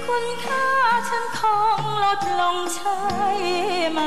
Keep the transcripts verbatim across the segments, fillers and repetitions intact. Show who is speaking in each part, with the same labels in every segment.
Speaker 1: คุณค่าฉันคงลดลงใช่ไหม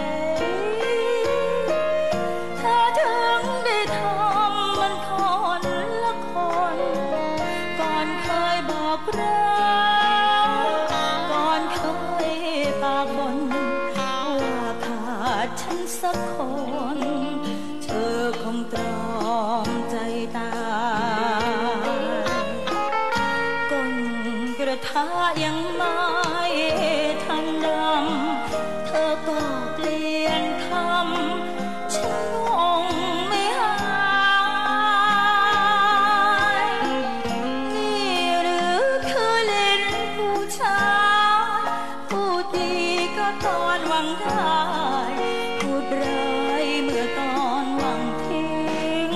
Speaker 1: ถ้าถึงได้ทำมันคนละคนก่อนเคยบอกรักก่อนเคยปากบนว่าขาดฉันสักคนเธอคงตรอมใจตายก้นกระทะยังไม่ทันดำเธอก็เปลี่ยนคำฉันงงไม่หายนี่หรือคือเล่นผู้ชายพูดดีก็ตอนหวังได้พูดร้ายเมื่อตอนหวังทิ้ง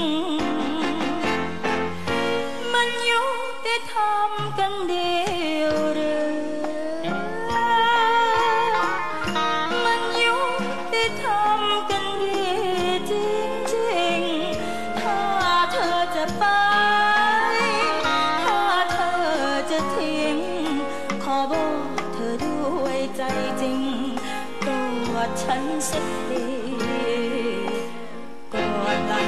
Speaker 1: มันยุติธรรมกันเดียวหรือมันยุติธรรมกันดีจริงๆถ้าเธอจะไปถ้าเธอจะทิ้งขอบอกเธอด้วยใจจริงกอดฉันสักทีกอดลา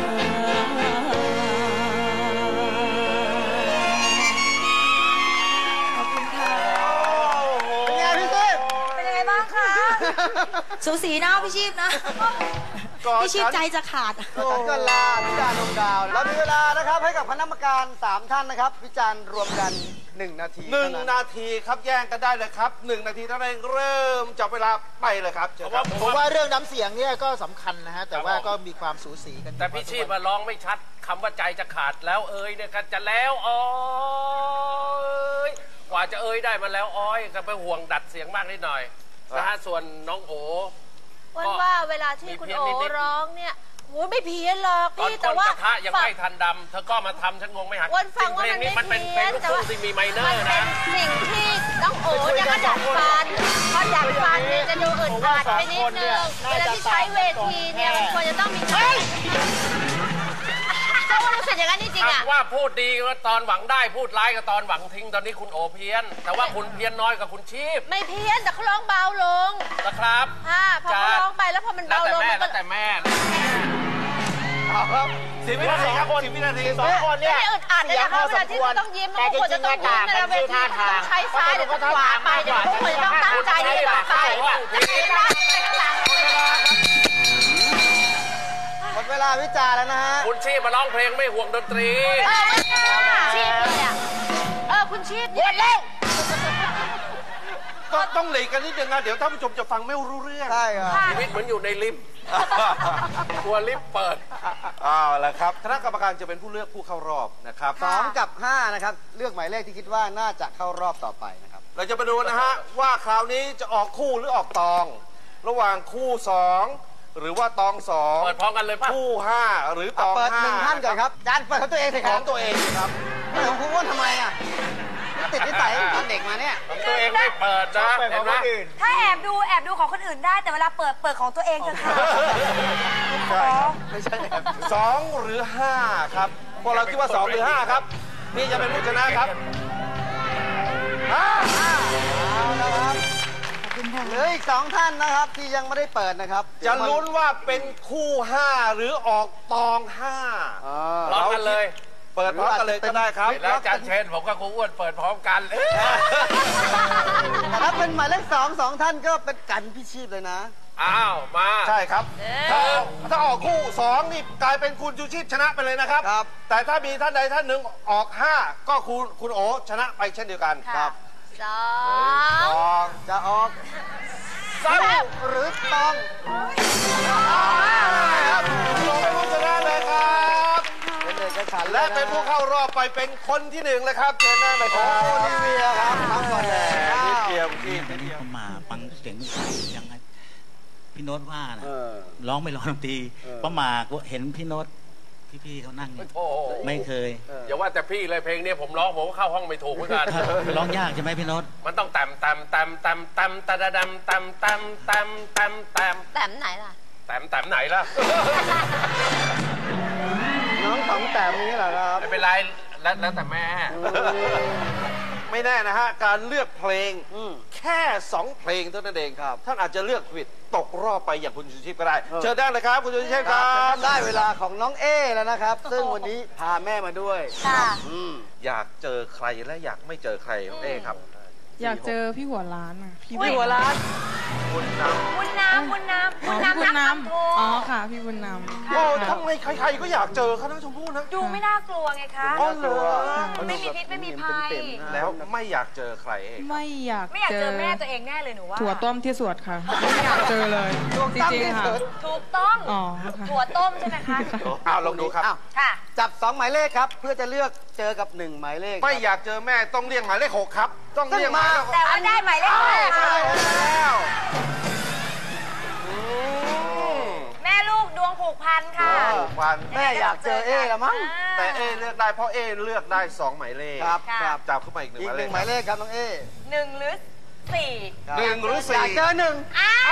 Speaker 1: ขอบคุณค่ะเป็นไงพี่ชีพเป็นยังไงบ้างคะสูสีนะพี่ชีพนะพี่ชีพใจจะขาด
Speaker 2: ฉันก็ลาพิจารณ์ดวงดาวเรามีเวลานะครับให้กับคณะกรรมการสามท่านนะครับพิจารณ์รวมกันหนึ่งนาที
Speaker 3: หนึ่งนาทีครับแย่งกันได้เลยครับหนึ่งนาทีเท่านั้นเริ่มจับเวลาไปเลยครับ
Speaker 2: ผมว่าเรื่องน้ำเสียงเนี่ยก็สำคัญนะฮะแต่ว่าก็มีความสูสีกัน
Speaker 4: แต่พี่ชีพมาร้องไม่ชัดคำว่าใจจะขาดแล้วเอ้ยเนี่ยกันจะแล้วอ้อยกว่าจะเอ้ยได้มาแล้วอ้อยก็ไปห่วงดัดเสียงมากนิดหน่อยนะฮะส่วนน้องโอ
Speaker 5: วันว่าเวลาที่คุณโอร้องเนี่ยโอ้ไม่เพี้ยนหรอกพี่แต่ว่าก
Speaker 4: ระทะยังไม่ทันดำเธอก็มาทำฉันงงไม่หัก
Speaker 5: วันฟังว่ามันไม่เพี้ยน
Speaker 4: แต่ว่าที่มีไมเนอร์นะ
Speaker 5: สิ่งที่น้องโอเนี่ยก็ดัดฟันพอดัดฟันเนี่ยจะดูอึดอัดไปนิดนึงเวลาที่ใช้เวทีเนี่ยมันควรจะต้องมีเขาว่ารู้สึกอย่างนั้นจริงๆอ่ะ
Speaker 4: ว่าพูดดีก็ตอนหวังได้พูดร้ายก็ตอนหวังทิ้งตอนนี้คุณโอเพี้ยนแต่ว่าคุณเพี้ยนน้อยกับคุณชีพ
Speaker 5: ไม่เพี้ยนแต่เขาร้องเบาลง
Speaker 4: นะครับ
Speaker 5: อ่าพอเขาร้องไปแล้วพอมันเบาลง
Speaker 4: แล้วแต่แม่
Speaker 3: ครับสิบวินาทีครับสิบวินาที
Speaker 2: สองคนเนี่ย
Speaker 5: อึดอัดเลยนะคะเวลาที่เขาต้องยิ้มเขาควรจะต้องยิ้มในเวทีเขาต้องใช้ซ้ายหรือขวาไปเดี๋ยวเขาควรจะต้องตั้งใจที่จะไป
Speaker 2: หมดเวลาวิจารณ์แล้วนะฮะ
Speaker 4: คุณชีพมาร้องเพลงไม่ห่วงดนตรี
Speaker 5: ชีพเลยอ่ะเออคุณชีพหยุดเร็ว
Speaker 3: ก็ต้องหลีกกันนิดนึงนะเดี๋ยวท่านผู้ชมจะฟังไม่รู้เรื่อง
Speaker 2: ใช่ครับ
Speaker 4: ชีวิตเหมือนอยู่ในลิฟต์กลัวลิฟต์เปิด
Speaker 3: เอาละครับคณะกรรมการจะเป็นผู้เลือกผู้เข้ารอบนะครับ
Speaker 2: สองกับห้านะครับเลือกหมายเลขที่คิดว่าน่าจะเข้ารอบต่อไปนะครับ
Speaker 3: เราจะไปดูนะฮะว่าคราวนี้จะออกคู่หรือออกตองระหว่างคู่สองหรือว่าตองสอง
Speaker 4: เปิดพร้อมกันเลยป่ะ
Speaker 3: คู่ห้าหรือตองห้า
Speaker 2: เปิดหนึ่งท่านก่อนครับจานเปิดของตัวเองสิ
Speaker 3: ของตัวเองครับ
Speaker 2: ไม่ของคุณว่าทำไมอ่ะติดนิสัยตอนเด็กมาเนี่ย
Speaker 4: ของตัวเองไม่เปิดนะเห็นไหม
Speaker 5: ถ้าแอบดูแอบดูของคนอื่นได้แต่เวลาเปิดเปิดของตัวเองจะค่ะ
Speaker 3: ไม่ใช่แอบสองหรือห้าครับพวกเราคิดว่าสองหรือห้าครับนี่จะเป็นผู้ชนะครับ
Speaker 2: ห้าเอาละครับเหลืออีกสองท่านนะครับที่ยังไม่ได้เปิดนะครับ
Speaker 3: จะลุ้นว่าเป็นคู่ห้าหรือออกตองห้า
Speaker 4: พร้อมกันเลย
Speaker 3: เปิดพร้อมกันเลยก็ได้ครับ
Speaker 4: แล้วอาจารย์เชนผมกับครูอ้วนเปิดพร้อมกัน
Speaker 2: ถ้าเป็นหมายเลขสองสองท่านก็เป็นกันพี่ชีพเลยนะ
Speaker 4: อ้าวมา
Speaker 3: ใช่ครับถ้าออกคู่สองนี่กลายเป็นคุณชูชีพชนะไปเลยนะครับแต่ถ้ามีท่านใดท่านหนึ่งออกห้าก็คุณคุณโอชนะไปเช่นเดียวกันครับ
Speaker 5: สอง
Speaker 2: จะออกเศร้าหรือต้อง
Speaker 3: ครับลงไปผู้ชนะเลยครับและเป็นผู้เข้ารอบไปเป็นคนที่หนึ่งเลยครับเชิญนั่งเลยครับโอลิเวียครับทั้งหมดเลยนิดเดียวที่นิดเดียว
Speaker 6: มาฟังเสียงยังไงพี่โน้ตว่านะร้องไม่ร้องดนตรีป้าหมากเห็นพี่โน้ตพี่ๆเขานั่งไม่เคย
Speaker 4: อย่าว่าแต่พี่เลยเพลงนี้ผมร้องผมก็เข้าห้องไม่ถูกเหมือนกัน
Speaker 6: ร้องยากใช่ไหมพี่โน้ต
Speaker 4: มันต้องตำตำตำตำตำตะดำตำตำตำตำตำ
Speaker 5: ตำไหนล่ะ
Speaker 4: ตำตำไหนล่ะ
Speaker 2: น้องสองแต้มนี้เหรอครับ
Speaker 4: ไม่เป็นไรแล้วแต่แม่
Speaker 3: แไม่แน่นะฮะการเลือกเพลง
Speaker 2: อืม
Speaker 3: แค่สองเพลงเท่านั้นเอง
Speaker 2: ครับ
Speaker 3: ท่านอาจจะเลือกผิดตกรอบไปอย่างคุณชูชีพก็ได้เชิญได้เลยครับคุณชูชีพครับ
Speaker 2: ได้เวลาของน้องเอแล้วนะครับ ซึ่งวันนี้พาแม่มาด้วย
Speaker 5: ค่ะ
Speaker 2: อืม
Speaker 3: อยากเจอใครและอยากไม่เจอใครน้องเอครับ
Speaker 7: อยากเจอพี่หัวร้านอ่ะ พี่
Speaker 5: อุ๊ย
Speaker 2: หัวร้าน
Speaker 3: คุณนำ
Speaker 5: บุญน้ำบุญน้ำ
Speaker 7: อ๋
Speaker 5: บุ
Speaker 7: อ
Speaker 5: ญ
Speaker 7: พี่
Speaker 5: น้ำ
Speaker 7: บุ
Speaker 5: นั
Speaker 7: ญ
Speaker 5: ก
Speaker 7: น้
Speaker 5: ทำโท
Speaker 7: ำอ๋อค่ะ พี่บุญน้ำ
Speaker 3: โอ้ทำไมใครๆก็อยากเจอเขาทั้งชมพู่นะ
Speaker 5: ดูไม่น่ากลัวไงคะ
Speaker 3: อ๋อเหรอ
Speaker 5: ไม่มีพิษไม่มีภัย
Speaker 3: แล้วไม่อยากเจอใครเอง
Speaker 7: ไม่อยาก
Speaker 5: ไม่อยากเจอแม่ตัวเองแน่เลยหนูว่า
Speaker 7: ถั่วต้มที่สวดค่ะ ไม่อยากเจอเลย จริงๆค่ะ
Speaker 5: ถูกต้อง
Speaker 7: อ๋อค่ะ
Speaker 5: ถั่วต้มใช่ไหมคะ
Speaker 3: อ้าวลองดูครับ
Speaker 2: อ้าว
Speaker 5: ค่ะ
Speaker 2: จับสองหมายเลขครับ เพื่อจะเลือกเจอกับหนึ่งหมายเลข
Speaker 3: ไม่อยากเจอแม่ต้องเรียกหมายเลขหกครับ ต้องเรียกหมายเลขหก
Speaker 5: แต่ว่าได้หมายเลขแรก
Speaker 3: ใช่
Speaker 5: ค่ะ
Speaker 3: แล้วอืม
Speaker 5: แม่ลูกดวงผูกพันค่ะ
Speaker 3: ผูกพัน
Speaker 2: แม่อยากเจอเอแล้วมั้ง
Speaker 3: แต่เอเลือกได้เพราะเอเลือกได้สองหมายเลข
Speaker 2: ครับ
Speaker 5: ค่ะ
Speaker 2: ครับ
Speaker 3: จับขึ้นมาอีกหนึ่ง
Speaker 2: อี
Speaker 3: ห
Speaker 2: ก
Speaker 3: มาย
Speaker 2: ห
Speaker 3: เล
Speaker 2: นึ่
Speaker 3: ข
Speaker 2: งหมายเลขครับน้องเอ
Speaker 5: หนึ่งหรือสี่
Speaker 2: ครับ
Speaker 3: หนึ่งหรือ
Speaker 2: อ
Speaker 3: สี่
Speaker 2: ยากเจอหนึ่ง
Speaker 5: อ้าว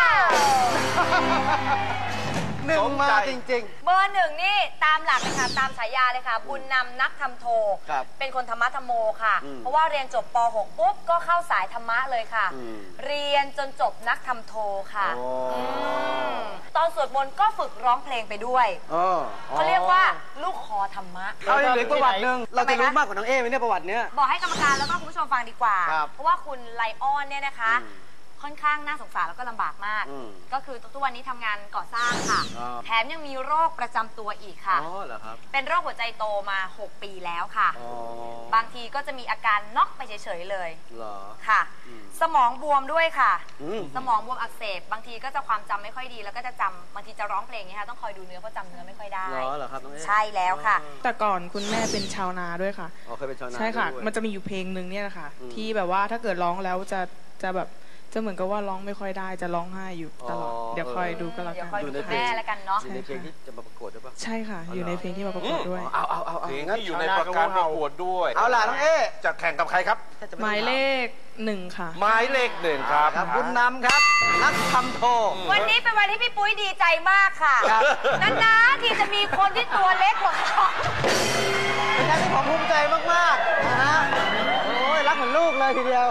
Speaker 2: หนึ่งมาจริง
Speaker 5: เบอร์หนึ่งนี่ตามหลักเลยค่ะ ตามฉายาเลยค่ะ บุญนำนักทำโท
Speaker 2: ครับ
Speaker 5: เป็นคนธรรมะธรรมโมค่ะ
Speaker 2: อืม
Speaker 5: เพราะว่าเรียนจบป หก ปุ๊บ ก็เข้าสายธรรมะเลยค่ะ
Speaker 2: อืม
Speaker 5: เรียนจนจบนักทำโทค่ะ
Speaker 2: โอ้
Speaker 5: มตอนสวดมนต์ก็ฝึกร้องเพลงไปด้วย
Speaker 2: ๆอ๋อ
Speaker 5: เขาเรียกว่าลูกคอธรรมะ
Speaker 2: เอาอีกหนึ่งประวัติหนึ่งเราจะรู้
Speaker 5: ทำไมคะ
Speaker 2: มากกว่าน้องเอไหมเนี่ยประวัติเนี้ย
Speaker 5: บอกให้กรรมการแล้วก็คุณผู้ชมฟังดีกว่า
Speaker 2: ครับ
Speaker 5: เพราะว่าคุณไลออนเนี่ยนะคะ
Speaker 2: อืม
Speaker 5: ค่อนข้างน่าสงสารแล้วก็ลำบากมาก
Speaker 2: อืม
Speaker 5: ก็คือทุกวันนี้ทำงานก่อสร้างค่ะ
Speaker 2: อ่า
Speaker 5: แถมยังมีโรคประจำตัวอีกค่ะ
Speaker 2: อ๋อเหรอครับ
Speaker 5: เป็นโรคหัวใจโตมา หก ปีแล้วค่ะ
Speaker 2: อ๋อ
Speaker 5: บางทีก็จะมีอาการน็อกไปเฉยๆเลย
Speaker 2: เหรอ
Speaker 5: ค่ะ
Speaker 2: อืม
Speaker 5: สมองบวมด้วยค่ะ
Speaker 2: อืม
Speaker 5: สมองบวมอักเสบบางทีก็จะความจำไม่ค่อยดีแล้วก็จะจำบางทีจะร้องเพลงเนี้ยค่ะต้องคอยดูเนื้อเพราะจำเนื้อไม่ค่อยได้
Speaker 2: เหรอเหรอครับน้องเอ
Speaker 5: ใช่แล้วค่ะ
Speaker 7: แต่ก่อนคุณแม่เป็นชาวนาด้วยค่ะ
Speaker 2: อ๋อเคยเป็นชาวนา
Speaker 7: ใช่ค่ะ
Speaker 2: ด้วย
Speaker 7: มันจะมีอยู่เพลงหนึ่งเนี่ยแหละค่ะ
Speaker 2: อืม
Speaker 7: ที่แบบว่าถ้าเกิดร้องแล้วจะจะแบบจะเหมือนกับว่าร้องไม่ค่อยได้จะร้องไห้อยู่ตลอด
Speaker 2: อ๋อ
Speaker 7: เดี๋ยวคอยดูก็แล้ว
Speaker 5: เดี๋
Speaker 7: กั
Speaker 5: ยวน คอยดูคุณแม่แล้วกันเนาะ
Speaker 2: อยู่ในเพลงที่จะมาประกวดด้วยปะ
Speaker 7: ใช่ค่ะ อยู่ในเพลงที่มาประกวดด้วย
Speaker 2: เอาเอาเอาเอา
Speaker 3: เพลง
Speaker 2: งั้น
Speaker 3: ที่อยู่ในประการประกวดด้วย
Speaker 2: เอาล่ะน้องเอ
Speaker 3: จะแข่งกับใครครับ
Speaker 7: หมายเลขหนึ่งค่ะ
Speaker 3: หมายเลขหนึ่งครับ
Speaker 2: ครับบุญนำครับ นักทำโท
Speaker 5: วันนี้เป็นวันที่พี่ปุ้ยดีใจมากค่ะ
Speaker 2: ครับ
Speaker 5: นานๆที่จะมีคนที่ตัวเล็กกว่าเขา
Speaker 2: เป็นการที่ผมภูมิใจมากๆนะฮะโอ้ยรักเหมือนลูกเลยทีเดียว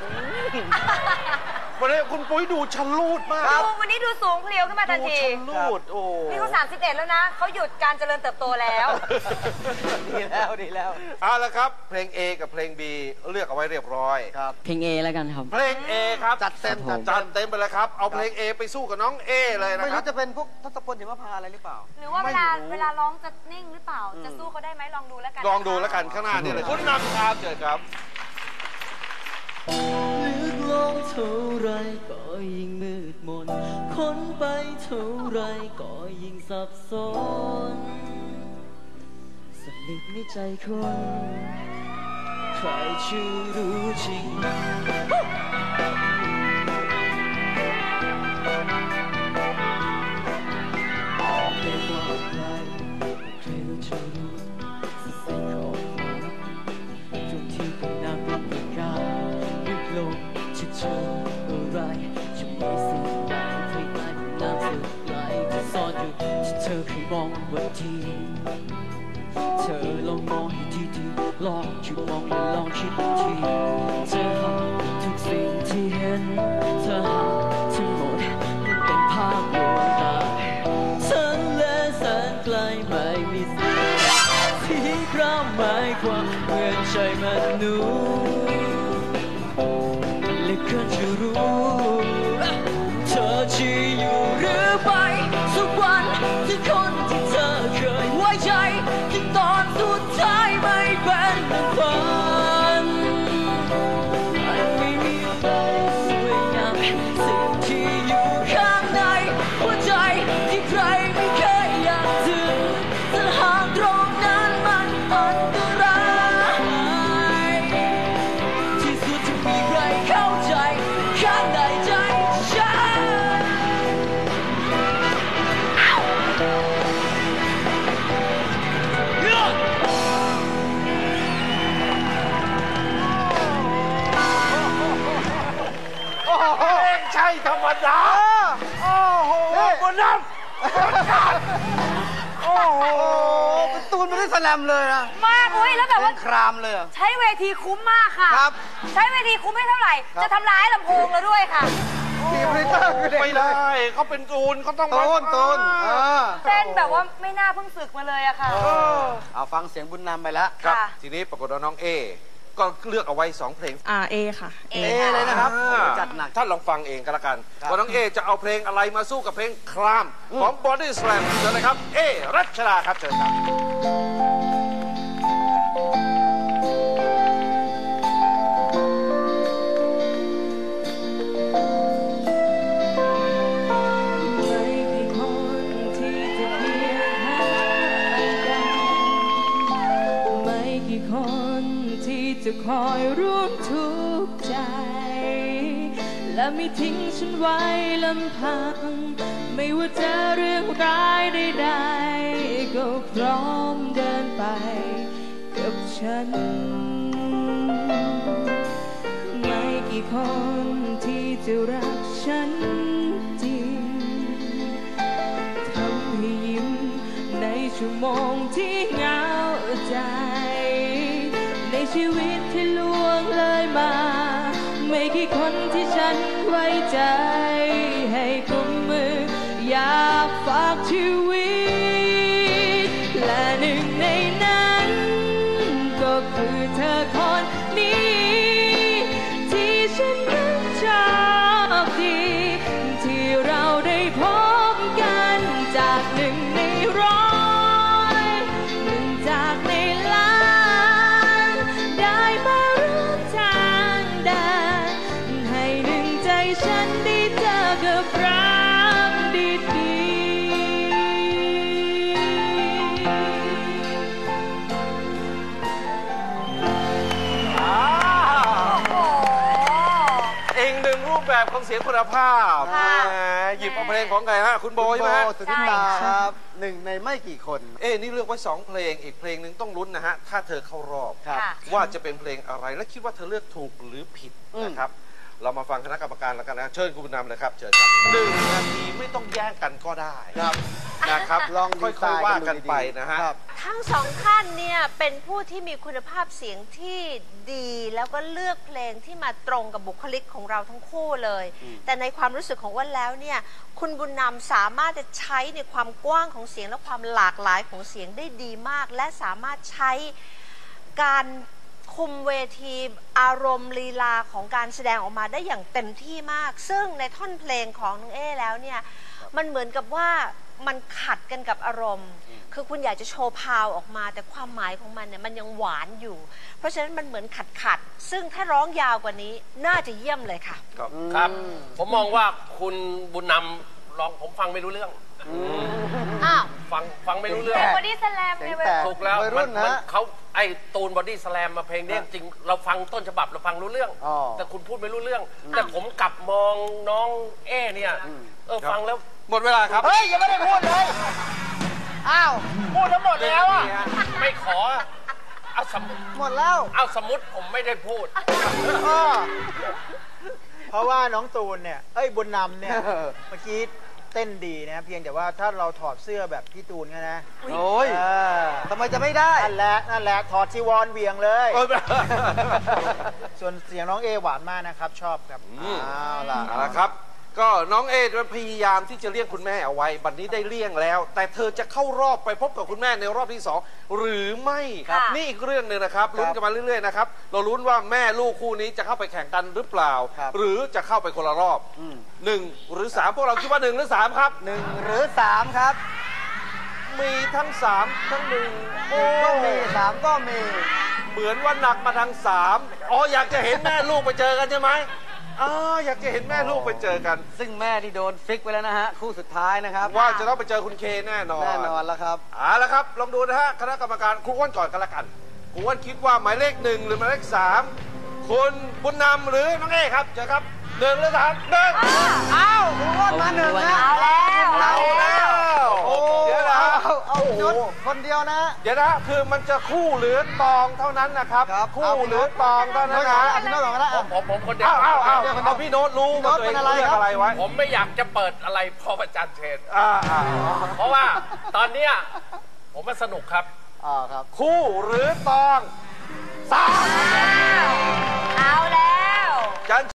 Speaker 3: วันนี้คุณปุ้ยดูชะลูดมาก
Speaker 5: ดูวันนี้ดูสูงเพลียวขึ้นมาทัน
Speaker 3: ดู
Speaker 5: ที
Speaker 3: ชะลูดโอ้
Speaker 5: นี่เขาสามสิบเอ็ดแล้วนะ เขาหยุดการเจริญเติบโตแล้ว
Speaker 2: ดีแล้วดีแล้ว
Speaker 3: เอาละครับ เพลง A กับเพลง B เลือกเอาไว้เรียบร้อย
Speaker 2: ครับ
Speaker 8: เพลง A แล้วกันครับ
Speaker 3: เพลง A ครับ
Speaker 2: จัดเต็ม
Speaker 8: ครับผม
Speaker 3: จัดเต็มไปเลยครับ เอาเพลง A ไปสู้กับน้อง A เลยนะ
Speaker 2: ไม่
Speaker 3: ครั
Speaker 2: รู้
Speaker 3: บ
Speaker 2: จะเป็นพวกทศพลหิมพานต์อะไรหรือเปล่า
Speaker 5: หรือว่าเวลา
Speaker 3: ไม่รู้
Speaker 5: เวลาร้องจะนิ่งหรือเปล่า จะสู้เขาได้ไหมลองดูแล้วกัน
Speaker 3: ลองดูแล้วกันข้างหน้านี่เลยคุณนำครับเจอครับ
Speaker 8: ลึกลงเท่าไรก็ยิ่งมืดมนค้นไปเท่าไรก็ยิ่งสับสนสนิทในใจคนใครจะรู้จริงไม่ว่าใครใครรู้จะรู้สิ่งของฟ้าจนที่เป็นน้ำเป็นประกายลึกลงจะเจออะไรจะมีสิ่งใดคล้ายๆน้ำสึกไหลที่ซ่อนอยู่ที่เธอเคยมองวันทีเธอลองมองให้ดีๆลองหยุดมองและลองคิดทีเธอหาทุกสิ่งที่เห็นเธอหาทั้งหมดมันเป็นภาพลวงตาฉันและแสนไกลไม่มีสิ่งที่กล้าหมายความเหมือนใจมนุษย์เหลือเกินจะรู้เธอจะอยู่หรือไปสักวันที่คนที่เธอเคยไว้ใจที่ตอนสุดท้ายไม่เป็นฝันมันไม่มีอะไรสวยงามสิ่งที่อยู่ข้างในหัวใจที่ใครไม่เคยอยากถึงแต่หากตรงนั้นมันอันตรายที่สุดจะมีใครเข้าใจข้างในใจฉัน
Speaker 3: เพลงใช่ธรรมดา โอ้โหบนน้ำโอ้โห
Speaker 2: เป็นตัวนไม่ได้แสลมเลยนะ
Speaker 5: มากเว้ยแล้วแบบว่า
Speaker 2: ครามเลยอะ
Speaker 5: ใช้เวทีคุ้มมากค่ะ
Speaker 2: ครับ
Speaker 5: ใช้เวทีคุ้มไม่เท่าไหร่ จะทำร้ายลำโพงเราด้วยค่ะ
Speaker 2: ทีมลิเตอร์คือเด็ก
Speaker 3: ไม่ได้เขาเป็นตูนเขาต้อง
Speaker 2: ตูนตูนเออ
Speaker 5: เต้นแบบว่าไม่น่าเพิ่งฝึกมาเลยอะค่ะ
Speaker 2: เอาฟังเสียงบุญนำไปแล้ว
Speaker 3: ครับ
Speaker 5: ค่ะ
Speaker 3: ทีนี้ปรากฏว่าน้องเอก็เลือกเอาไว้สองเพลง
Speaker 7: อ่าเอค่ะ
Speaker 5: เอ
Speaker 2: เอเลยนะครับ
Speaker 3: อ่า
Speaker 2: จัดหนัก
Speaker 3: ท่านลองฟังเองก็แล้วกัน
Speaker 2: ครับ
Speaker 3: ว่าน้องเอจะเอาเพลงอะไรมาสู้กับเพลงครามของ Body Slam เชิญเลยครับ เอรัชดาครับเชิญครับ
Speaker 7: จะคอยร่วมทุกข์ใจและไม่ทิ้งฉันไว้ลำพังไม่ว่าจะเรื่องร้ายใดๆก็พร้อมเดินไปกับฉันไม่กี่คนที่จะรักฉันจริงทำให้ยิ้มในชั่วโมงที่เหงาใจในชีวิตที่ล่วงเลยมาไม่กี่คนที่ฉันไว้ใจให้กุมมืออยากฝากชีวิตและหนึ่งในนั้นก็คือเธอคนนี้ที่ฉันนั้นชอบดีที่เราได้พบกันจากหนึ่งในร้อยหนึ่งจากในล้านได้มาร่วมทางเดินให้หนึ่งใจฉันได้เจอกับรักดี
Speaker 3: เองหนึ่งรูปแบบของเสียงคุณภาพ
Speaker 5: ค่ะ
Speaker 3: แหมหยิบเอาเพลงของใครฮะคุณโบใช่ไหมฮะ
Speaker 2: สุนิตาครับหนึ่งในไม่กี่คน
Speaker 3: เอ้นี่เลือกไว้สองเพลงอีกเพลงหนึ่งต้องลุ้นนะฮะถ้าเธอเข้ารอบ
Speaker 2: ครับ
Speaker 5: ค่ะ
Speaker 3: ว่าจะเป็นเพลงอะไรและคิดว่าเธอเลือกถูกหรือผิด
Speaker 2: อืม
Speaker 3: นะครับ เรามาฟังคณะกรรมการแล้วกันนะเชิญคุณบุญนำเลยครับเชิญครับหนึ่งนาทีไม่ต้องแย่งกันก็ได้
Speaker 2: ครับ
Speaker 3: นะครับ
Speaker 2: ลอง
Speaker 3: ค่
Speaker 2: ดีไซ
Speaker 3: อย
Speaker 2: น์
Speaker 3: ๆว่า
Speaker 2: ดู
Speaker 3: กัน
Speaker 2: ดีๆ
Speaker 3: ไปนะฮะ
Speaker 2: ครับ
Speaker 5: ทั้งสองท่านเนี่ยเป็นผู้ที่มีคุณภาพเสียงที่ดีแล้วก็เลือกเพลงที่มาตรงกับบุคลิกของเราทั้งคู่เลย แต่ในความรู้สึกของอ้วนแล้วเนี่ยคุณบุญนำสามารถจะใช้ในความกว้างของเสียงและความหลากหลายของเสียงได้ดีมาก และสามารถใช้การคุมเวทีอารมณ์ลีลาของการแสดงออกมาได้อย่างเต็มที่มาก ซึ่งในท่อนเพลงของน้องเอ้แล้วเนี่ยมันเหมือนกับว่ามันขัดกันกับอารมณ์ คือคุณอยากจะโชว์พาวออกมาแต่ความหมายของมันเนี่ยมันยังหวานอยู่ เพราะฉะนั้นมันเหมือนขัดขัดๆซึ่งถ้าร้องยาวกว่านี้น่าจะเยี่ยมเลยค่ะ
Speaker 3: ครับ
Speaker 4: ครับ ผมมองว่าคุณบุญนำร้องผมฟังไม่รู้เรื่อง
Speaker 5: อ้าว
Speaker 4: ฟังฟังไม่รู้เรื่อง
Speaker 5: เป็นบอดี้สแลม
Speaker 2: เสี
Speaker 5: ใน
Speaker 2: ยง
Speaker 5: เว
Speaker 2: แต
Speaker 5: ลา
Speaker 2: ก
Speaker 4: ถูกแล้ว
Speaker 2: วัยรุ่
Speaker 4: มัน
Speaker 2: นนะ
Speaker 4: มันเขาไอ้ตูนบอดี้สแลมมาเพลงเนี้ยจริงเราฟังต้นฉบับเราฟังรู้เรื่อง
Speaker 2: อ๋อ
Speaker 4: แต่คุณพูดไม่รู้เรื่อง แต่ผมกลับมองน้องเอ้เนี่ยเออฟังแล้ว
Speaker 3: หมดเวลาครับ
Speaker 2: เฮ้ยยังไม่ได้พูดเลย อ้าว พูดทั้งหมดแล้วอ่ะ
Speaker 4: ไม่ขอเอาสมมุติ
Speaker 2: หมดแล้ว
Speaker 4: เอาสมมติผมไม่ได้พูด
Speaker 9: เพราะว่าน้องตูนเนี่ย เอ้ยบุญนำเนี่ย
Speaker 2: เออ
Speaker 9: เมื่อกี้เต้นดีนะ เพียงแต่ว่าถ้าเราถอดเสื้อแบบพี่ตูนเนี่ยนะ
Speaker 2: โอ้ย
Speaker 9: เออ
Speaker 2: ทำไมจะไม่ได้
Speaker 9: นั่นแหละนั่นแหละถอดจีวรเวียงเลย
Speaker 3: เออ
Speaker 9: ส่วนเสียงน้องเอหวานมากนะครับ ชอบครับ
Speaker 2: เอาล่ะ
Speaker 3: เอาละครับ ก็น้องเอพยายามที่จะเลี่ยงคุณแม่เอาไว้ บัดนี้ได้เลี่ยงแล้ว แต่เธอจะเข้ารอบไปพบกับคุณแม่ในรอบที่สองหรือไม่
Speaker 5: ครับ
Speaker 3: นี่อีกเรื่องหนึ่งนะครับลุ้นกันมาเรื่อยๆนะครับเราลุ้นว่าแม่ลูกคู่นี้จะเข้าไปแข่งกันหรือเปล่า
Speaker 2: ครับ
Speaker 3: หรือจะเข้าไปคนละรอบ
Speaker 2: อืม
Speaker 3: หนึ่งหรือสามพวกเราคิดว่าหนึ่งหรือสามครับ
Speaker 2: หนึ่งหรือสามครับ
Speaker 3: มีทั้งสามทั้งหนึ่งโอ้
Speaker 2: ก็มีสามก็มี
Speaker 3: เหมือนว่าหนักมาทางสามอ๋ออยากจะเห็นแม่ลูกไปเจอกันใช่ไหมอ๋ออยากจะเห็นแม่ลูกไปเจอกัน
Speaker 2: ซึ่งแม่ที่โดนฟิกไปแล้วนะฮะ คู่สุดท้ายนะครับ
Speaker 3: ว่าจะต้องไปเจอคุณเคแน่นอน
Speaker 2: แน่นอนแล้วครับ
Speaker 3: เอาละครับ ลองดูนะฮะ คณะกรรมการครูอ้วนก่อนกันละกันครูอ้วนคิดว่าหมายเลขหนึ่งหรือหมายเลขสามคุณบุญนำหรือน้องเอครับเจอครับหนึ่งหรือสามหนึ่ง
Speaker 2: อ้าวคุณอ้วนมาหนึ่งนะ
Speaker 5: เอาแล้ว
Speaker 3: เอาแล้ว
Speaker 2: โอ้
Speaker 3: เดี๋ยวนะ
Speaker 2: เอาเอาพี่นุชคนเดียวนะ
Speaker 3: เดี๋ยวนะคือมันจะคู่หรือตองเท่านั้นนะครับ
Speaker 2: ครับ
Speaker 3: คู่หรือตองเท่านั้นนะ
Speaker 2: พี่นุชก่อนก็ได้
Speaker 4: ผมผมผมคนเดียว
Speaker 3: อ้าวอ้าวอ้าว
Speaker 2: เดี๋ยวคนเดียว
Speaker 3: เอาพี่โน้ตรู้ว่าตัวเอง
Speaker 2: พี่โน้ตเป็นอะไร
Speaker 3: เลือก
Speaker 2: ครับ
Speaker 3: อะไรไว้
Speaker 4: ผมไม่อยากจะเปิดอะไรพอประจันเชน
Speaker 3: อ่าอ่า
Speaker 4: เพราะว่าตอนเนี้ยผมมันสนุกครับ
Speaker 2: อ๋อครับ
Speaker 3: คู่หรือตองสาม
Speaker 5: เอาแล้ว